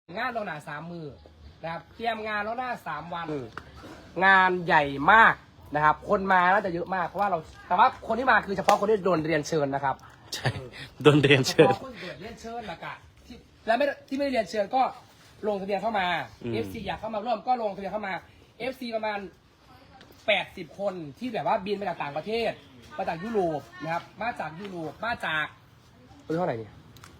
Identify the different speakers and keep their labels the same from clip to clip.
Speaker 1: งานเราหนา3 มือนะครับเตรียมงานแล้วหน้า3 วันงานใหญ่มากนะครับคนมาน่าจะเยอะมากเพราะว่าเราแต่ว่าคนที่มาคือเฉพาะคนที่โดนเรียนเชิญนะครับ
Speaker 2: ใช่โดนเรียนเชิญ
Speaker 1: เฉพาะคนที่โดนเรียนเชิญละกะและที่ไม่ได้เรียนเชิญก็ลงทะเบียนเข้ามา FC อยากเข้ามาร่วมก็ลงทะเบียนเข้ามา FC ประมาณ80 คนที่แบบว่าบินมาจากต่างประเทศมาจากยุโรปนะครับมาจากยุโรปมาจากเท่าไหร่เนี่ย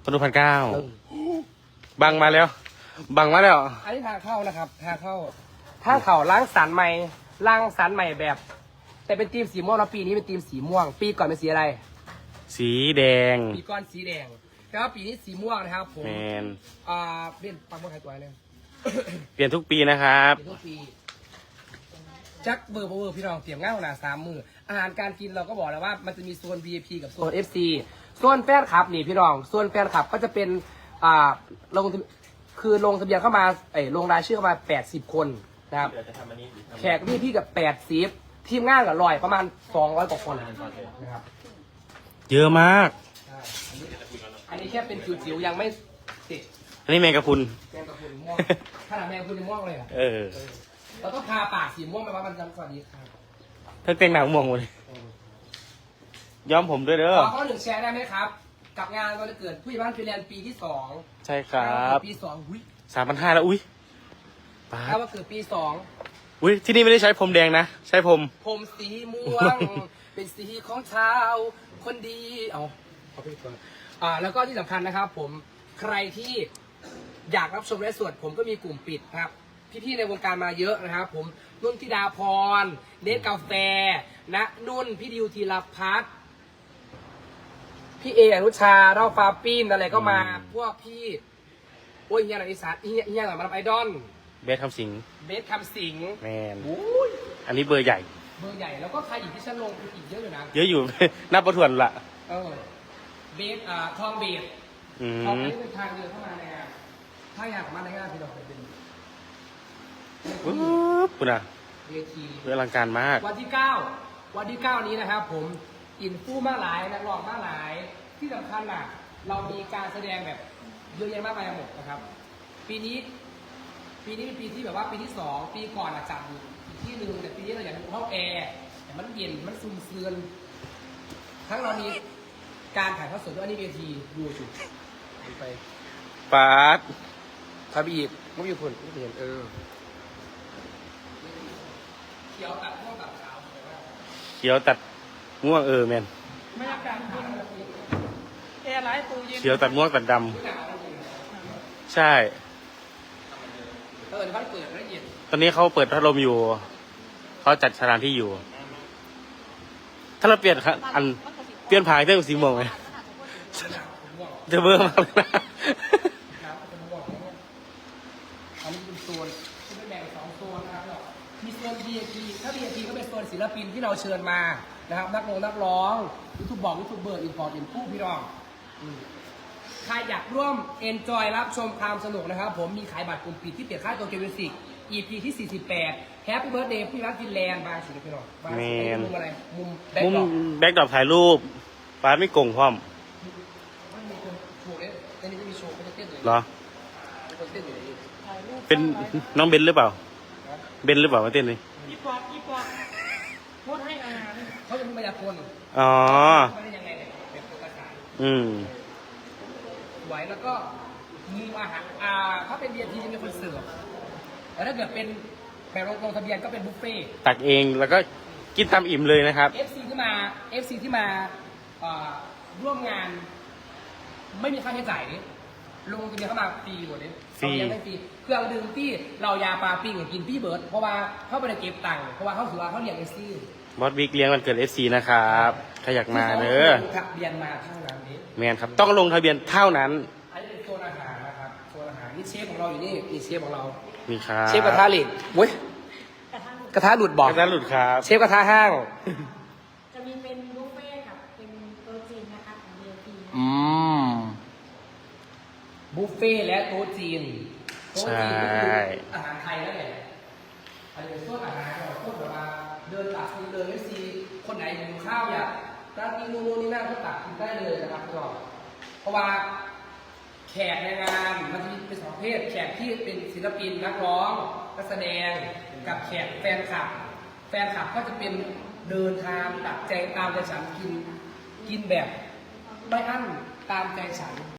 Speaker 2: 1,900บังมาแล้ว
Speaker 1: อันนี้ทางเข้านะครับทางเข้าล้างสารใหม่แบบ แต่เป็นทีมสีม่วงแล้วปีนี้เป็นทีมสีม่วงปีก่อนเป็นสีอะไร
Speaker 2: สีแดง
Speaker 1: ปีก่อนสีแดงแล้วปีนี้สีม่วงนะครับผมเปลี่ยนปังบนไทยตัวเลย
Speaker 2: เปลี่ยนทุกปีนะครับ
Speaker 1: เปลี่ยนทุกปีจักเบอร์พี่น้องเตรียมง่ายขนาด3 มืออาหารการกินเราก็บอกแล้วว่ามันจะมีโซน VIP กับโซน FC โซนแฟนคลับนี่พี่น้องโซนแฟนคลับก็จะเป็นลงทะเบียนเข้ามาลงรายชื่อเข้ามา80 คนนะครับแขกพี่กับ80ทีมงานกับ100ประมาณ200 กว่าคนนะครับ
Speaker 2: เยอะมาก
Speaker 1: อันนี้แค่เป็นจิ๋วๆยังไม่ติด
Speaker 2: อันนี้แมงกะพรุน
Speaker 1: ม่วงขนาดแมงกะพรุนม่วงเลยอ่ะเราต้องทาปากสีม่วงไปว่ามันจำสวัสดีครับ
Speaker 2: เธอเต็งหนังม่วงหมดเลยย้อมผมด้วยเด้อ
Speaker 1: ขอ1แชร์ได้ไหมครับกับงานวันเกิดผู้ใหญ่บ้านฟินแลนด์ปีที่2
Speaker 2: ใช่ครับ
Speaker 1: ปี2อุ้ย
Speaker 2: 3,500แล้วอุ้ย
Speaker 1: ถ้าว่าเกิดปี2
Speaker 2: อุ้ยที่นี่ไม่ได้ใช้ผมแดงนะใช้ผม
Speaker 1: สีม่วง เป็นสีของชาวคนดีเอาไปก่อนแล้วก็ที่สำคัญนะครับผมใครที่อยากรับชมและสวดผมก็มีกลุ่มปิดครับพี่ๆในวงการมาเยอะนะครับผมนุ่นธิดาพรเนสกาแฟณนุ่นพี่ดิวธีรพัฒน์พี่เออนุชาเล่าฟ้าปีนอะไรก็มาพวกพี่โอ้ยเฮียหน่อยอีสานเฮียหน่อยมาทำไอดอล
Speaker 2: เบสคำสิง
Speaker 1: แม
Speaker 2: นอันนี้เบอร์ใหญ่
Speaker 1: แล้วก็ใครอีกที่ฉันลงอีกเยอะอยู่นะ
Speaker 2: เยอะอยู่ นับประทวนละ
Speaker 1: เบสทองเบสทองนี้เป็นทางเดินเข้ามาในงานถ้าอยากมาในงานพี่ดอกเป็น
Speaker 2: ปุ๊บนะ
Speaker 1: เวที
Speaker 2: อลังการมาก
Speaker 1: วันที่9นี้นะครับผมอินฟู่มากหลายนักร้องมากหลายที่สำคัญน่ะเรามีการแสดงแบบเยอะแยะมากมายหมดนะครับปีนี้เป็นปีที่แบบว่าปีที่2ปีก่อนจัดอยู่อีกที่หนึ่งแต่ปีนี้เราอยากดูห้องแอร์แต่มันเย็นมันซุ่มเซือนทั้งเรามีการถ่ายทอดสดด้วยอันนี้เวทีดูจุดไป
Speaker 2: ปาด
Speaker 1: ทำอีกไม่มีคนไม่เห็นเขียวตัดม่วงตัดขาว
Speaker 2: เขียวตัดม่วงแมน
Speaker 1: ไม่รับการแอร์ไลท์ตู้เย็น
Speaker 2: เขียวตัดม่วงตัดดำใช่ตอนนี้เขาเปิดพัดลมอยู่เขาจัดสถานที่อยู่ถ้าเราเปลี่ยนผ่านเรื่องสีม่วงไหมจะเบอร์มากเลยนะ
Speaker 1: อันนี้เป็นโซนที่เป็นแบ่ง2 โซนนะครับมีโซน VIP ถ้า VIP ก็เป็นโซนศิลปินที่เราเชิญมานะครับนักร้องยูทูบเบอร์อินพอร์ตอินฟูพี่น้องใครอยากร่วมเอนจอยรับชมความสนุกนะครับผมมีขายบัตรกลุ่มปิดที่เปลี่ยนค่าตัวเกมมิวสิก EP ที่48 Happy Birthday พี่รักฟินแลนด์บางสิพี่น้องมุมอะไรมุมแ
Speaker 2: บ็กดรอปถ่ายรูปป้าไม่โกงพร้อม
Speaker 1: มีคนโชว์เลยในนี้จะมีโชว์เขาจะเต้นเลย
Speaker 2: เหรอเป็นน้องเบนหรือเปล่ามาเต้นเลย
Speaker 1: อีปอกโคตรให้อาหารเขาจะมีมายากลไม่ได้ยังไงเนี่ยเป็นตัวกระต่ายไหวแล้วก็มุมอาหารถ้าเป็นเบียร์ทีจะมีคนเสิร์ฟแต่ถ้าเกิดเป็นแบบลงทะเบียนก็เป็นบุฟเฟ่
Speaker 2: ตักเองแล้วก็กินตามอิ่มเลยนะครับ
Speaker 1: FC ที่มาร่วมงานไม่มีค่าใช้จ่ายนี่ลงทะเบียนเข้ามาฟรีหมดเลย
Speaker 2: ฟรี
Speaker 1: เครื่องดื่มที่เรายาปลาปิ้งกินพี่เบิร์ดเพราะว่าเขาไปเก็บตังค์เพราะว่าเขาถือว่าเขาเลี้ยงFC
Speaker 2: บอสบิ๊กเลี้ยงวันเกิด FC นะครับถ้าอยากมาเด้อ
Speaker 1: ทะเบียนมาเท่านั้นนี้
Speaker 2: แมนครับต้องลงทะเบียนเท่านั้น
Speaker 1: อันนี้เป็นโซนอาหารนะครับโซนอาหารนี่เชฟของเราอยู่นี่เชฟของเรา
Speaker 2: มีครับ
Speaker 1: เชฟกระทะเหล็กเว้ยกระทะหลุดบอก
Speaker 2: กระทะหลุดครับ
Speaker 1: เชฟกระทะห้าง
Speaker 3: จะมีเป็นบุฟเฟ่กับเป็นโต๊ะจีนนะคะของ VIP
Speaker 1: บุฟเฟ่และโต๊ะจีน
Speaker 2: ใช่
Speaker 1: อาหารไทยนั่นแหละอันนี้เป็นโซนอาหารเราพูดแบบว่าเดินตักเดินไม่ซีคนไหนหิวข้าวอยากร้านนี้นู่นนี่นั่นก็ตักกินได้เลยนะครับพี่น้องเพราะว่าแขแขกในงานมันจะมีเป็น2 ประเภทแขกที่เป็นศิลปินนักร้องนักแสดงกับแขกแฟนคลับก็จะเป็นเดินทางตักใจตามใจฉันกินแบบไม่อั้นตามใจฉัน